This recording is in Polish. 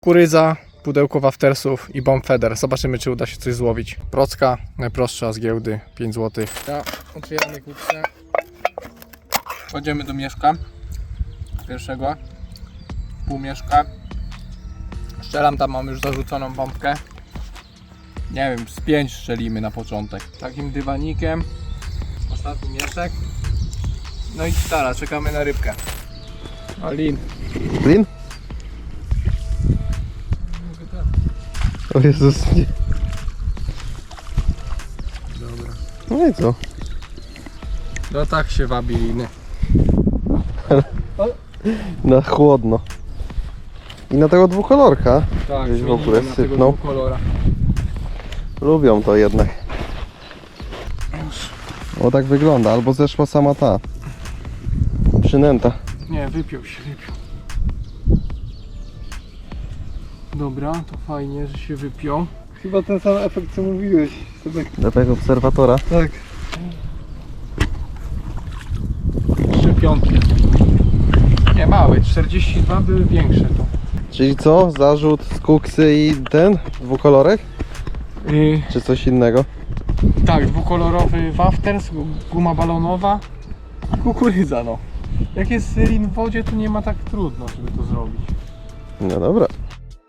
Kurydza, pudełko waftersów i bomb feeder. Zobaczymy, czy uda się coś złowić. Procka, najprostsza z giełdy, 5 zł. Ja otwieramy kupce. Wchodzimy do mieszka. Pierwszego. Półmieszka. Strzelam, tam mam już zarzuconą bombkę. Nie wiem, z 5 strzelimy na początek. Takim dywanikiem. Ostatni mieszek. No i gitara, czekamy na rybkę. Alin. Lin? O Jezus, nie. Dobra. No i co? No tak się wabi liny. Na chłodno. I na tego dwukolorka. Tak, Gdzieś w ogóle na tego sypnął. kolora. Lubią to jednak. O, tak wygląda, albo zeszła sama ta przynęta. Nie, wypiął się, wypiął. Dobra, to fajnie, że się wypiął. Chyba ten sam efekt co mówiłeś. Do tego obserwatora. Tak. 3 piątki. Nie, małe, 42 były większe to. Czyli co? Zarzut z kuksy i ten dwukolorek? Czy coś innego? Tak, dwukolorowy wafters, guma balonowa, kukurydza no. Jak jest lin w wodzie, to nie ma tak trudno, żeby to zrobić. No dobra.